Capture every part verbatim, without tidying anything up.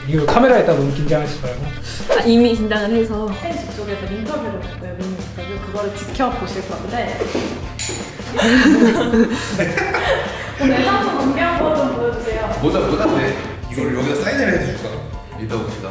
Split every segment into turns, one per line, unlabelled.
이거 카메라에다 너무 긴장하지 말고.
아, 이미 긴장을 해서.
팬 쪽에서 인터뷰를 했고요. 미니 인터뷰 그거를 지켜보실 건데 오늘 한번 공개 한번 좀 보여주세요.
모자 모자인데 이걸 여기다 사인을 해줄까? 이따 봅시다.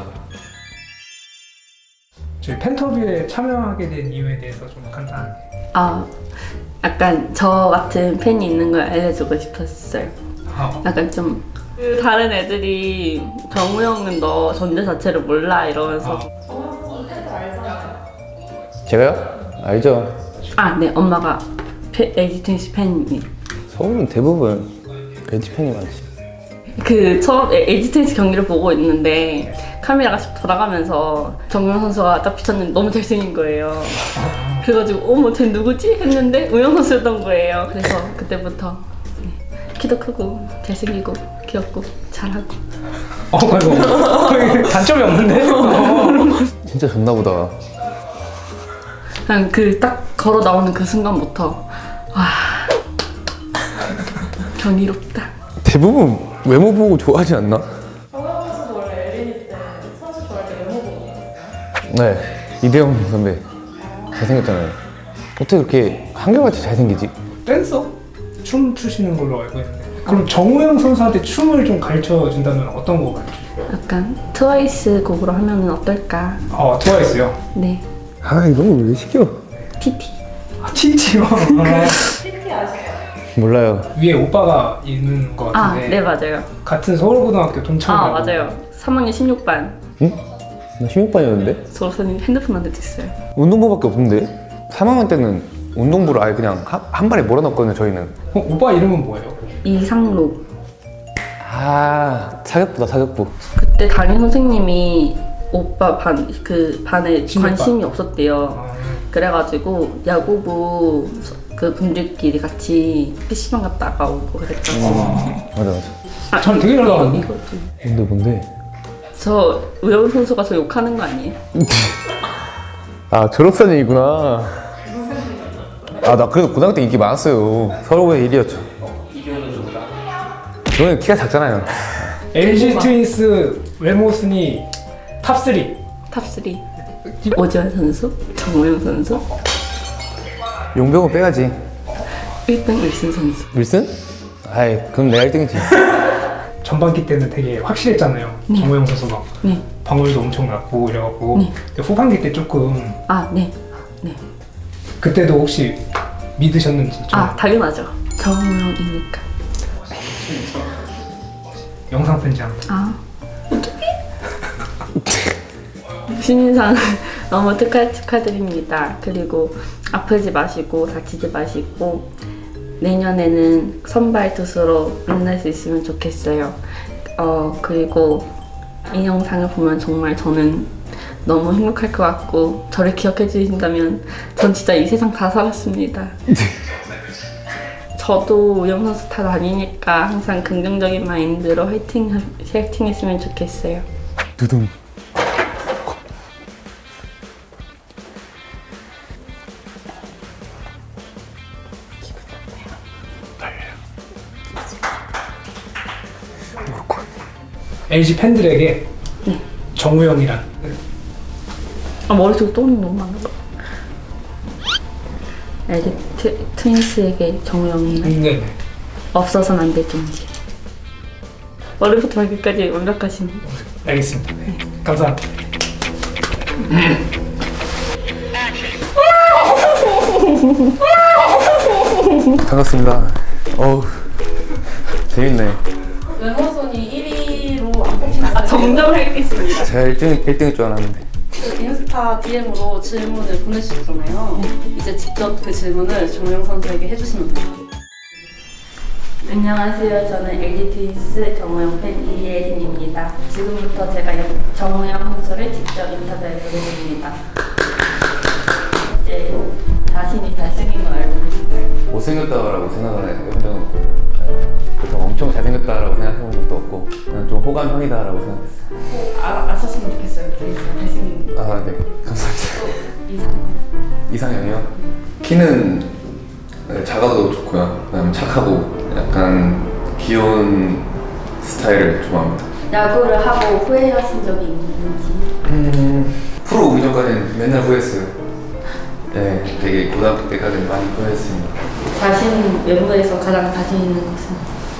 저희 팬터뷰에 참여하게 된 이유에 대해서 좀 간단하게.
아, 약간 저 같은 팬이 있는 걸 알려주고 싶었어요.
아,
약간 좀 그 다른 애들이 정우 형은 너 존재 자체를 몰라 이러면서.
정우 팬들 알잖아요.
제가요? 알죠.
아, 네, 엄마가 엘지 트윈스 팬이.
서울은 대부분 엘지 팬이 많지.
그 처음 엘지 트윈스 경기를 보고 있는데 카메라가 돌아가면서 정우영 선수가 딱 비쳤는데 너무 잘생긴 거예요. 그래가지고 어머 쟤 누구지? 했는데 우영 선수였던 거예요. 그래서 그때부터 네, 키도 크고 잘생기고 귀엽고 잘하고.
어, 아이고. 단점이 없는데? 어.
진짜 좋나 보다.
그냥 그 딱 걸어 나오는 그 순간부터 와 경이롭다.
대부분 외모 보고 좋아하지 않나?
정우 선수도 원래 엘리니 때 선수 좋아할 때 외모 보고 있었어요.
네. 이대영 선배 잘생겼잖아요. 어떻게 그렇게 한결같이 잘생기지?
댄서? 춤 추시는 걸로 알고 있는데. 그럼 정우영 선수한테 춤을 좀 가르쳐 준다면 어떤 거 가르쳐 줄까요?
약간 트와이스 곡으로 하면은 어떨까?
어, 트와이스요.
네,
아 이런 걸 왜 시켜?
티티.
아, 티티요.
티티 아시죠?
몰라요.
위에 오빠가 있는 거
아,
같은데.
네 맞아요.
같은 서울고등학교 동창이라고.
아 맞아요. 삼 학년 십육 반.
응? 나 십육 반이었는데?
저선생님 핸드폰 안 됐어요.
운동부밖에 없는데? 삼 학년 때는 운동부를 아예 그냥 한, 한 발에 몰아넣었거든요 저희는.
어, 오빠 이름은 뭐예요?
이상로.
아 사격부다 사격부.
그때 담임 선생님이 오빠 반 그 반에
십육 반.
관심이 없었대요.
아,
그래가지고 야구부 그 분들끼리 같이 피시방 갔다가 오고 그랬던 거.
어.
맞아 맞아.
아,
전 되게 잘
이거,
나갔는데?
이거 좀.
뭔데 뭔데?
저 우영 선수가 저 욕하는 거 아니에요?
아 졸업사진이구나. 아 나 그래도 고등학교 때 인기 많았어요. 서울고의 일 위였죠. 저는 키가 작잖아요.
엘지 트윈스 외모 순위 탑삼.
탑삼. 오지환 선수, 정우영 선수,
용병은 빼야지.
일 등 윌슨 선수.
윌슨? 아이 그럼 내가 일 등이지.
전반기 때는 되게 확실했잖아요.
네.
정우영 선수가
네.
방울도 엄청 났고 이래갖고.
네.
근데 후반기 때 조금
아, 네. 네.
그때도 혹시 믿으셨는지 좀
아, 당연하죠. 정우영이니까.
영상 편지 한 번.
아, 어떡해? 신인상 너무 축하, 축하드립니다. 그리고 아프지 마시고 다치지 마시고 내년에는 선발 투수로 만날 수 있으면 좋겠어요. 어, 그리고 이 영상을 보면 정말 저는 너무 행복할 것 같고 저를 기억해 주신다면 전 진짜 이 세상 다 살았습니다. 저도 우영 선수 다 다니니까 항상 긍정적인 마인드로 화이팅, 화이팅 했으면 좋겠어요.
두둥.
엘지 팬들에게
네.
정우영이란
아, 머릿속에 떠오르는 게 너무 많아. 엘지 트, 트윈스에게 정우영이는
네.
없어서는 안 될 존재. 머리부터 발끝까지 완벽하신.
알겠습니다. 네. 감사합니다.
반갑습니다. 어우 재밌네.
외모 순위 일 위로 안 뽑히는 거
정정하겠습니다.
제가 일 등 일 등일 줄 알았는데.
그 인스타 디엠으로 질문을 보내주셨잖아요. 이제 직접 그 질문을 정우영 선수에게 해주시면 돼요.
안녕하세요. 저는 엘지 트윈스 정우영 팬 이예린입니다. 지금부터 제가 정우영 선수를 직접 인터뷰해 보겠습니다. 이제 자신이 잘생긴 걸 알고 계신가요?
못생겼다라고 생각을 해본 적은 없고 그래서 엄청 잘생겼다라고 생각해본 적도 없고 그냥 좀 호감형이다라고 생각했어요.
아, 아셨으면 좋겠어요. 트윈스가 잘생긴 거.
아 네 감사합니다.
이상.
이상형이요? 키는 네, 작아도 좋고요. 그다음에 착하고 약간 귀여운 스타일을 좋아합니다.
야구를 하고 후회하신 적이 있는지.
음, 프로 오기 전까지는 맨날 후회했어요. 네, 되게 고등학교 때까지는 많이 후회했습니다.
자신 외모에서 가장 자신 있는 것은?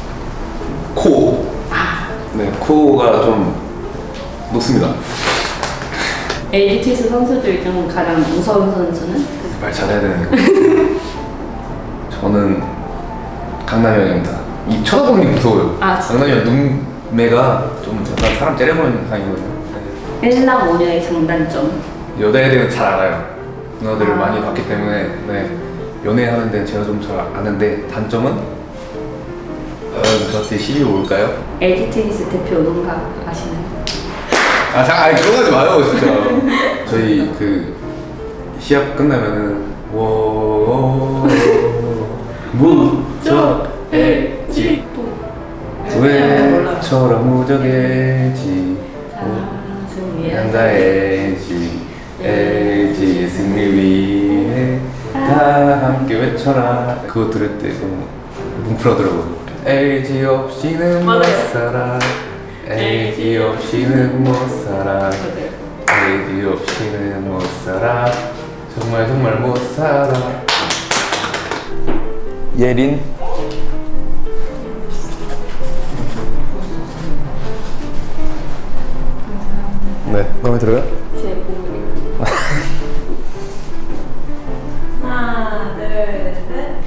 코. 네, 코가 좀 높습니다.
엘지티에스 선수들 중 가장 무서운 선수는?
말 잘해야 되네. 저는 강남현입니다. 이 쳐다보는 게 무서워요.
아, 진짜?
강남현 눈매가 좀 약간 사람 째려보는 상이거든요. 네.
일남오녀의 장단점.
여자에 대해 잘 알아요. 누나들을
아.
많이 봤기 때문에 네. 연애하는 데는 제가 좀 잘 아는데 단점은 어, 저한테 시비 올까요?
엘지티에스 대표 농가 아시나요?
아, 자, 아니 그러지 마요, 진짜. 저희 그 시합 끝나면은 워 무저 엘지 왜처럼 무적일지 한다 엘지 엘지 승리 위해 다 함께 외쳐라. 그거 들을 때 너무 뭉클하더라고요. 엘지 없이는 못 살아. 엘지 없이는 못 살아. 엘지 없이는 못 살아. 정말 정말 못 살아. 예린. 네, 마음에 들어요?
제 보물.
하나, 둘, 셋.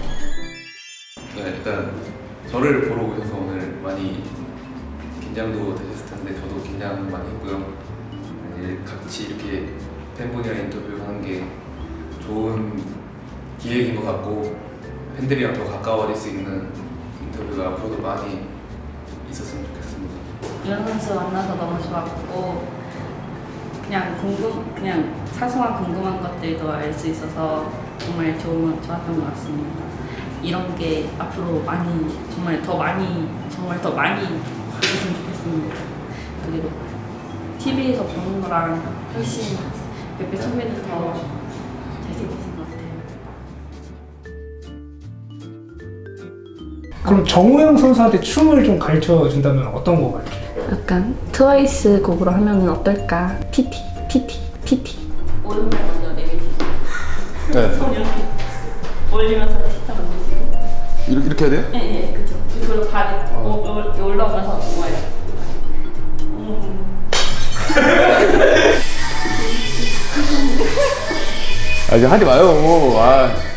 네, 일단 저를 보러 오셔서 오늘 많이 긴장도 되셨을 텐데 저도 긴장 많이 했고요. 네, 같이 이렇게 팬분이랑 인터뷰하는 게 좋은 기획인 것 같고 팬들이랑 더 가까워질 수 있는 인터뷰가 앞으로도 많이 있었으면 좋겠습니다.
유현 선수 만나서 너무 좋았고 그냥 궁금 그냥 사소한 궁금한 것들도 알 수 있어서 정말 좋은 좋았던 것 같습니다. 이런 게 앞으로 많이 정말 더 많이 정말 더 많이 있었으면 좋겠습니다. 그리고 티비에서 보는 거랑 훨씬 몇배 천배는 더 잘생기신 것 같아요.
그럼 정우영 선수한테 춤을 좀 가르쳐 준다면 어떤 거 가르쳐?
약간 트와이스 곡으로 하면은 어떨까? 티티 티티 티티 오른발 먼저 내밀시고
네.
손 이렇게 올리면서 티타 만드시고
이렇게, 이렇게 해야 돼요?
예예 그죠. 그리고 발이 어. 오, 오, 올라오면서 모아요. 음.
아 이제 하지 마요. 아.